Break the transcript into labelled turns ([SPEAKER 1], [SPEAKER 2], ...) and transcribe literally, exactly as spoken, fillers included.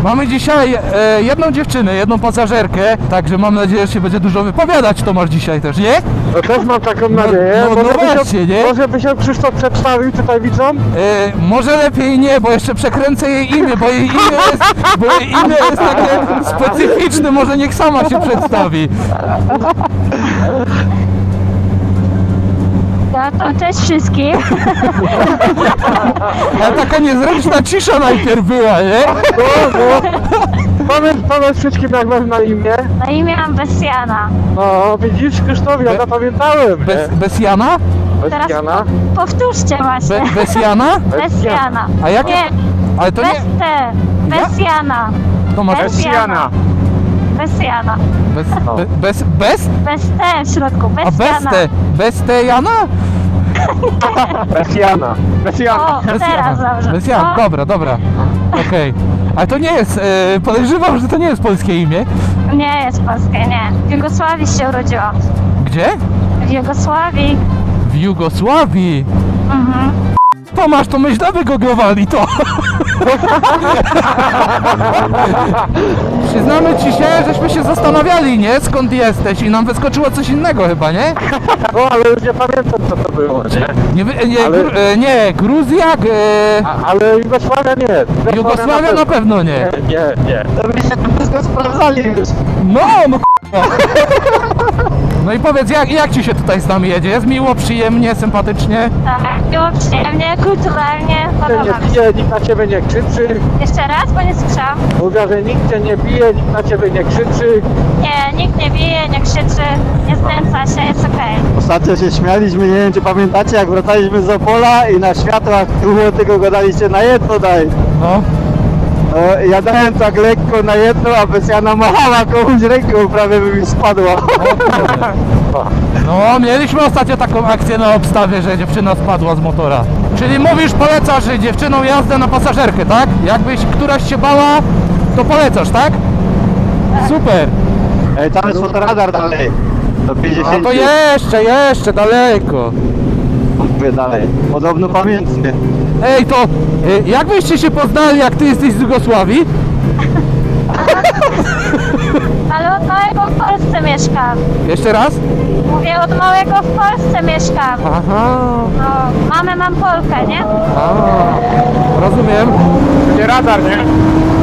[SPEAKER 1] Mamy dzisiaj e, jedną dziewczynę, jedną pasażerkę, także mam nadzieję, że się będzie dużo wypowiadać Tomasz dzisiaj też, nie?
[SPEAKER 2] No też mam taką nadzieję.
[SPEAKER 1] no, no
[SPEAKER 2] może, by
[SPEAKER 1] właśnie,
[SPEAKER 2] się,
[SPEAKER 1] nie?
[SPEAKER 2] może by się Krzysztof przedstawił tutaj widzom?
[SPEAKER 1] E, może lepiej nie, bo jeszcze przekręcę jej imię, bo jej imię jest, bo jej imię jest takie specyficzne, może niech sama się przedstawi.
[SPEAKER 3] No to cześć wszystkim.
[SPEAKER 1] Ale taka niezręczna cisza najpierw była, nie?
[SPEAKER 2] No, no. Powiedz, powiedz wszystkim, jak masz na imię.
[SPEAKER 3] Na imię mam Besjana.
[SPEAKER 2] No, widzisz, Krzysztof, ja
[SPEAKER 1] Be-
[SPEAKER 2] zapamiętałem.
[SPEAKER 1] Bez, bez Jana?
[SPEAKER 2] Bez
[SPEAKER 3] Teraz
[SPEAKER 2] Jana.
[SPEAKER 3] powtórzcie właśnie.
[SPEAKER 1] Be, bez Jana?
[SPEAKER 3] Besjana.
[SPEAKER 1] A jak?
[SPEAKER 3] Nie,
[SPEAKER 1] Ale to
[SPEAKER 3] bez
[SPEAKER 1] nie...
[SPEAKER 3] T. Besjana.
[SPEAKER 1] Tomasz,
[SPEAKER 3] Bez Jana. Besjana.
[SPEAKER 1] bez, be, bez, bez?
[SPEAKER 3] Bez T w środku.
[SPEAKER 1] A bez
[SPEAKER 3] Besjana.
[SPEAKER 1] te, bez te Jana?
[SPEAKER 2] Bez Jana. Bez Jana.
[SPEAKER 3] O,
[SPEAKER 1] Bez
[SPEAKER 3] teraz
[SPEAKER 1] Jana.
[SPEAKER 3] dobrze.
[SPEAKER 1] Bez Jana,
[SPEAKER 3] O,
[SPEAKER 1] dobra, dobra. Okej. Ale to nie jest, e, podejrzewam, że to nie jest polskie imię.
[SPEAKER 3] Nie jest polskie, nie. W Jugosławii się urodziłam.
[SPEAKER 1] Gdzie?
[SPEAKER 3] W Jugosławii.
[SPEAKER 1] W Jugosławii.
[SPEAKER 3] Mhm.
[SPEAKER 1] Tomasz, to my źle wygooglowali to. Przyznamy ci się, żeśmy się zastanawiali, nie? Skąd jesteś i nam wyskoczyło coś innego chyba, nie?
[SPEAKER 2] No, ale już nie pamiętam, co to było, nie?
[SPEAKER 1] Nie, wy- nie,
[SPEAKER 2] Ale-
[SPEAKER 1] Gru, e, nie Gruzja, g- e,
[SPEAKER 2] A, ale Jugosławia nie.
[SPEAKER 1] Jugosławia na pewno nie.
[SPEAKER 2] Nie, nie, nie. To byście to wszystko sprawdzali już.
[SPEAKER 1] No, no k***a. No i powiedz, jak, jak ci się tutaj z nami jedzie? Jest miło, przyjemnie, sympatycznie?
[SPEAKER 3] Tak. Było przyjemnie, kulturalnie.
[SPEAKER 2] Nikt cię
[SPEAKER 3] Podoba
[SPEAKER 2] nie
[SPEAKER 3] mi się.
[SPEAKER 2] bije, nikt na ciebie nie krzyczy.
[SPEAKER 3] Jeszcze raz, bo nie słyszałam.
[SPEAKER 2] Mówię, że nikt cię nie bije, nikt na ciebie nie krzyczy.
[SPEAKER 3] Nie, nikt nie bije, nie krzyczy, nie znęca się, jest okej.
[SPEAKER 4] Ostatnio się śmialiśmy, nie wiem czy pamiętacie, jak wracaliśmy z Opola i na światłach było tylko gadaliście na jedno daj.
[SPEAKER 1] No.
[SPEAKER 4] No, ja dałem tak lekko na jedno, a Besjana machała komuś ręką, prawie by mi spadła.
[SPEAKER 1] No, mieliśmy ostatnio taką akcję na obstawie, że dziewczyna spadła z motora. Czyli mówisz, polecasz dziewczynom jazdę na pasażerkę, tak? Jakbyś któraś się bała, to polecasz, tak? Super.
[SPEAKER 4] Ej, tam jest fotoradar dalej. Do
[SPEAKER 1] A
[SPEAKER 4] pięćdziesiąt.
[SPEAKER 1] to jeszcze, jeszcze daleko.
[SPEAKER 4] Mówię dalej. Podobno pamiętnie.
[SPEAKER 1] Ej, to y, jak byście się poznali, jak ty jesteś z Jugosławii?
[SPEAKER 3] Ale od małego w Polsce mieszkam.
[SPEAKER 1] Jeszcze raz?
[SPEAKER 3] Mówię, od małego w Polsce mieszkam.
[SPEAKER 1] Aha.
[SPEAKER 3] No, mamę mam Polkę, nie?
[SPEAKER 1] A, rozumiem.
[SPEAKER 2] Nie radar, nie?